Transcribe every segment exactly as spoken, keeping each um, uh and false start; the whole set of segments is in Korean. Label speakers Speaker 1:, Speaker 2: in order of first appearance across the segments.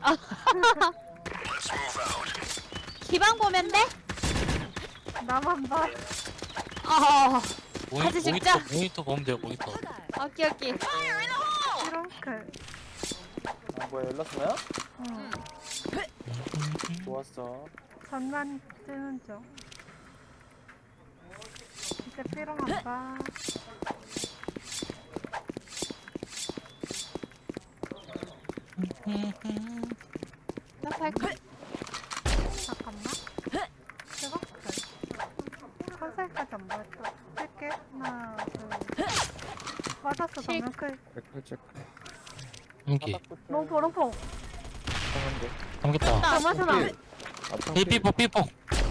Speaker 1: 기방 보면 돼?
Speaker 2: 나만 봐.
Speaker 1: 어.
Speaker 3: 모니,
Speaker 1: 같이 찍자.
Speaker 3: 모니터, 모니터 보면 돼요, 모니터.
Speaker 1: 오케이 오케이.
Speaker 2: 이렇게.
Speaker 4: 아 뭐야 열렸어요?
Speaker 2: 응.
Speaker 4: 좋았어.
Speaker 2: 전만 뜨는 중. 이제 삐롱 안 봐.
Speaker 1: 나 발끝.
Speaker 2: 잠깐만. 이렇게. 컨셉까지 안 보였다. 뜰게. 하나, 둘. 맞았어,
Speaker 1: 칠.
Speaker 2: 방금 클.
Speaker 4: 체크 체크.
Speaker 3: 한기.
Speaker 2: 롱포, 롱포.
Speaker 4: 하는데.
Speaker 3: 삼겼다.
Speaker 2: 잠깐만.
Speaker 4: 아
Speaker 3: 삐삐뽀, 삐뽀.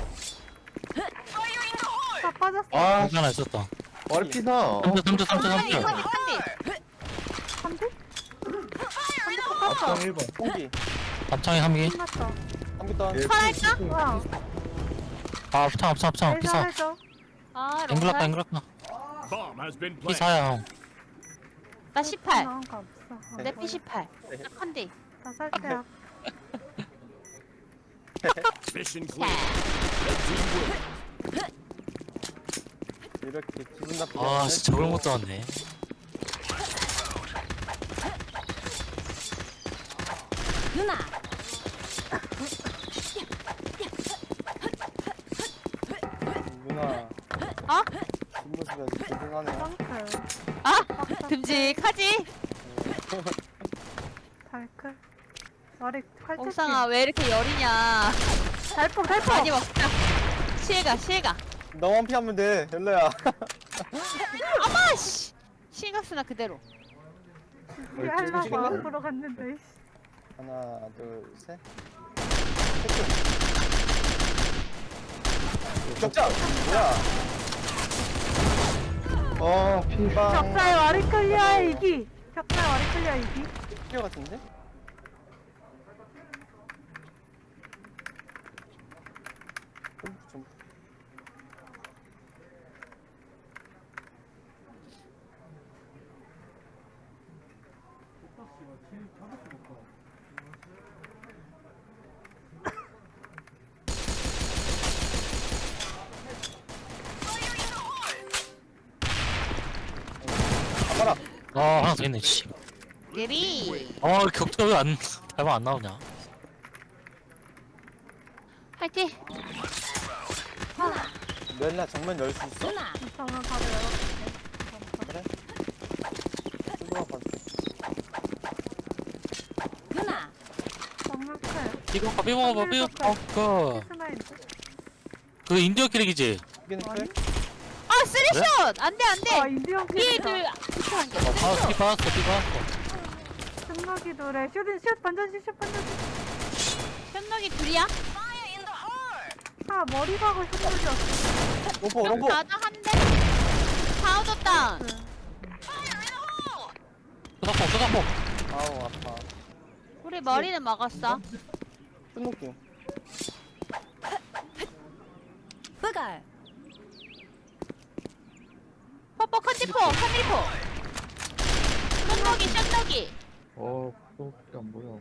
Speaker 2: 다 빠졌어.
Speaker 4: 아
Speaker 3: 한기 하나 있었다.
Speaker 4: 머리 피나.
Speaker 3: 삼 점, 삼 점, 삼 점, 삼
Speaker 1: 컨디
Speaker 3: 점.
Speaker 1: 컨디 컨디.
Speaker 2: 한대? 한대
Speaker 4: 앞장
Speaker 2: 똑같어.
Speaker 4: 일 번. 홍기.
Speaker 3: 앞창에 한기.
Speaker 2: 끝났어.
Speaker 4: 한기 더.
Speaker 1: 설할까?
Speaker 2: 와.
Speaker 3: 아, 앞창, 앞창, 앞창.
Speaker 2: 해줘,
Speaker 3: 피사.
Speaker 2: 해줘.
Speaker 1: 아
Speaker 3: 앵글랐다,
Speaker 1: 롱살.
Speaker 3: 앵글랐다.
Speaker 5: Bomb has been planted.
Speaker 3: 피사야, 형.
Speaker 1: 나 십팔.
Speaker 2: 나온 거 없어.
Speaker 1: 내 피 십팔. 나 컨디.
Speaker 2: 나 살때야.
Speaker 5: Mission
Speaker 1: 자.
Speaker 5: clear. Red team win.
Speaker 4: 이렇게 기분 나쁘게.
Speaker 3: 아, 진짜 저걸 못 잡았네.
Speaker 1: 누나.
Speaker 4: 누나.
Speaker 1: 어?
Speaker 4: 뒷모습이 아주 고생하네.
Speaker 2: 덩클.
Speaker 1: 아 듬직하지?
Speaker 2: 달클. 머리 칼퇴.
Speaker 1: 옥상아 왜 이렇게 열이냐?
Speaker 2: 달폭, 달폭.
Speaker 1: 많이 먹자. 시혜가 시혜가.
Speaker 4: 너만 피하면 돼. 열려야.
Speaker 1: 아마 씨. 시가스나 그대로.
Speaker 2: 이게 하려고 앞으로 갔는데. 씨.
Speaker 4: 하나 둘 셋. 격자. 뭐야? 어 피방.
Speaker 2: 격자의 와리 클리어 이기. 격자의 와리 클리어 이기.
Speaker 4: 필요 같은데? 좀, 좀. 가봐라.
Speaker 3: 아, 하나 더 있네, 씨.
Speaker 1: 예리.
Speaker 3: 아, 격자 왜 안, 달방 안 나오냐.
Speaker 1: 화이팅.
Speaker 4: 멜라 정면 열 수 있어?
Speaker 2: 정말 바로 열어줄게.
Speaker 4: 그래? 수고가 봐줘.
Speaker 2: 정말 클.
Speaker 3: 삐먹어, 삐먹어, 삐먹어.
Speaker 2: 스나인데.
Speaker 3: 그 인디어 캐릭이지?
Speaker 4: 이게는
Speaker 2: 아니?
Speaker 4: 클?
Speaker 1: 아 쓰리샷. 안돼
Speaker 2: 아,
Speaker 1: 안돼.
Speaker 2: 인디언
Speaker 1: 뒤에
Speaker 2: 캐릭터.
Speaker 1: 그 비슷한 게.
Speaker 3: 어, 빠졌어, 삐 빠졌어, 삐 빠졌어.
Speaker 2: 승막이 노래. 슛인 슛, 반전 슛, 슛, 반전 슛.
Speaker 1: 현록이 둘이야?
Speaker 2: 아, 머리 박을 슛이었어.
Speaker 4: 롱포 롱포.
Speaker 1: 나도 한 대. 다 얻었다.
Speaker 3: 쏘다포, 쏘다포.
Speaker 4: 아우 아파.
Speaker 1: 우리 머리는 먹었어.
Speaker 4: 끝놓기.
Speaker 1: 뽀뽀 컨디포 컨디포. 현록이 현록이.
Speaker 6: 어, 그거밖에 안 보여.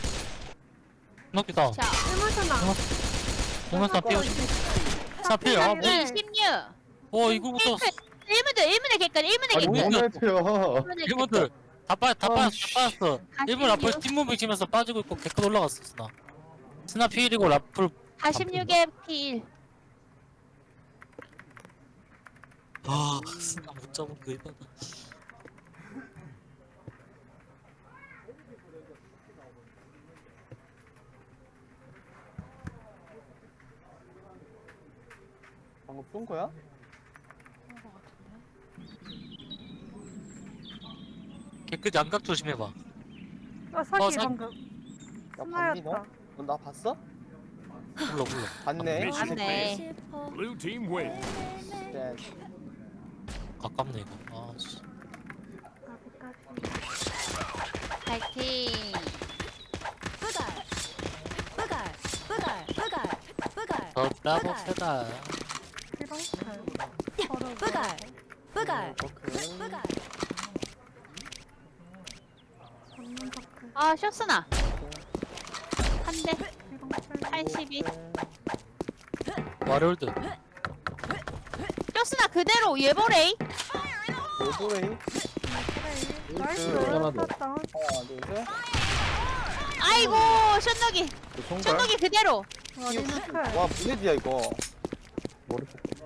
Speaker 3: 넉기다.
Speaker 1: 자.
Speaker 2: 스무스나.
Speaker 3: 보면서 삐 사필, 아, 뭐.
Speaker 2: 네.
Speaker 1: 이십육.
Speaker 3: 어, 이거부터.
Speaker 1: 일 문들 일 문에 개까지 일 문에
Speaker 6: 아니,
Speaker 1: 개까지.
Speaker 6: 뭐해요
Speaker 3: 일본들 다 빠, 다
Speaker 6: 아,
Speaker 3: 빠졌어, 다 빠졌어. 일본 라플
Speaker 1: 사십육.
Speaker 3: 팀무빙 치면서 빠지고 있고 개컷 올라갔어, 스나. 스나 피일이고 라플.
Speaker 1: 사십육에 피 일.
Speaker 3: 아, 스나 못 잡은 거 이거다.
Speaker 4: 방금 쏜 거야?
Speaker 3: 개끝 양각 조심해봐.
Speaker 2: 어, 사기
Speaker 3: 어, 사-
Speaker 2: 방금.
Speaker 4: 나 봤니 너?
Speaker 2: 스나였다.
Speaker 4: 너 나 봤어?
Speaker 3: 불러, 불러.
Speaker 4: 봤네.
Speaker 5: Mission
Speaker 1: 맞네.
Speaker 5: clear. Blue team win.
Speaker 4: 네.
Speaker 3: 가깝네, 이거. 아, 씨.
Speaker 1: 파이팅.
Speaker 3: 더 따보 세다.
Speaker 2: 삐롱 클. 바로.
Speaker 4: 오케이.
Speaker 2: 전문 터클.
Speaker 1: 아 쇼스나. 한대 팔십이.
Speaker 3: 와리올드.
Speaker 1: 쇼스나 그대로 예보레이.
Speaker 4: 오브레이.
Speaker 2: 나이스.
Speaker 6: 하나 더.
Speaker 2: 땄다.
Speaker 4: 하나, 둘, 셋.
Speaker 1: 아이고 션너기.
Speaker 6: 그 손갈
Speaker 1: 션너기 그대로.
Speaker 2: 머리는 클.
Speaker 4: 와, 블레드야, 이거.
Speaker 6: 머리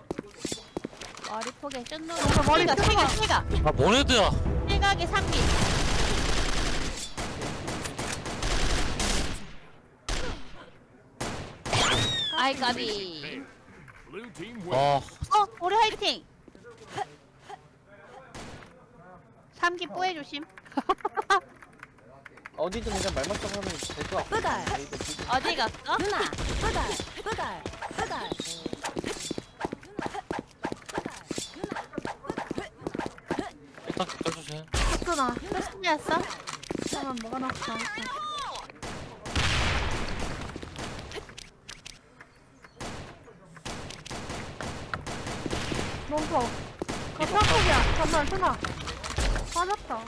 Speaker 1: 머리 포개 션너기.
Speaker 2: 어, 머리
Speaker 1: 실각
Speaker 2: 뜯어.
Speaker 1: 실각 실각.
Speaker 3: 아 모네드야.
Speaker 1: 실각이 삼 기. 아이 까비.
Speaker 5: Blue team wins.
Speaker 3: 와
Speaker 1: 어 우리 화이팅. 삼 기 뽀해 조심.
Speaker 4: 어디든 그냥 말만 좀 하면 될 것 같고.
Speaker 7: 뿌갈.
Speaker 1: 어디 갔어?
Speaker 7: 누나 뿌갈 뿌갈 뿌갈
Speaker 3: 일단 껴주세요.
Speaker 2: 땄구나.
Speaker 1: 쇼스나였어?
Speaker 2: 잠깐만 뭐가 났어. 멈춰. 그 탑폭이야. 잠깐만 순아. 빠졌다.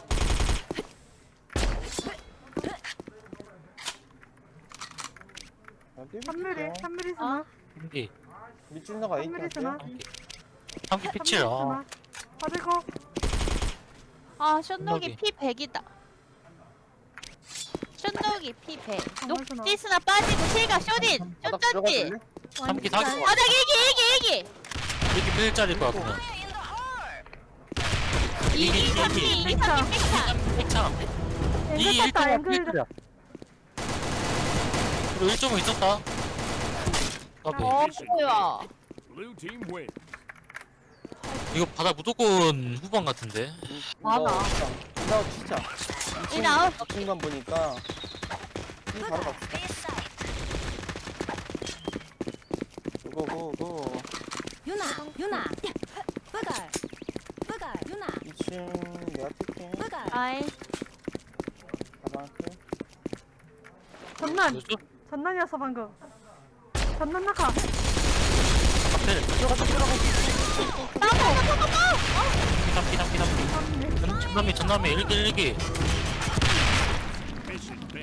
Speaker 2: 삼 밀리 삼 밀리 순아.
Speaker 3: 한기
Speaker 4: 밑줄나가
Speaker 2: 삼 밀리 순아.
Speaker 3: 한기 피칠. 아
Speaker 2: 빠지고.
Speaker 1: 아 션너기
Speaker 3: 션너기.
Speaker 1: 피 백이다. 션너기 피 백.
Speaker 2: 정말 순아.
Speaker 1: 녹디스나 빠지고 실각 쇼딘.
Speaker 4: 바닥
Speaker 1: 쇼쩐지.
Speaker 4: 들어가줄래?
Speaker 3: 삼기 사기.
Speaker 1: 바닥 일기 일기 일기.
Speaker 3: 이렇게 필짜리일 것 같구나.
Speaker 1: 이기 삼 기 이기 삼 기 팩탄.
Speaker 3: 핵창. 이
Speaker 2: 앵글 땄다.
Speaker 3: 일 점은
Speaker 2: 앵글.
Speaker 3: 필짜리야. 그리고 일 점은 있었다. 까비.
Speaker 1: 어 뭐야.
Speaker 5: Blue team wins.
Speaker 3: 이거 바다 무조건 후반 같은데.
Speaker 1: 많아.
Speaker 4: 인아웃 치자.
Speaker 1: 인아웃?
Speaker 4: 이 중간 보니까. 이 바로 갑시다. 고고고.
Speaker 7: 유나 유나 뿌갈 뿌갈 유나
Speaker 4: 이 층 내가 뛸게.
Speaker 7: 뿌갈
Speaker 1: 아이
Speaker 4: 가방클.
Speaker 2: 전난.
Speaker 3: 뭐죠?
Speaker 2: 전난이었어 방금. 전난 나가.
Speaker 3: 카페.
Speaker 4: 들어가자, 들어가자.
Speaker 1: 나도 나도 나도.
Speaker 3: 피삼 피삼 피삼.
Speaker 2: 삼 밀리.
Speaker 3: 전남이 전남이 일기 일기.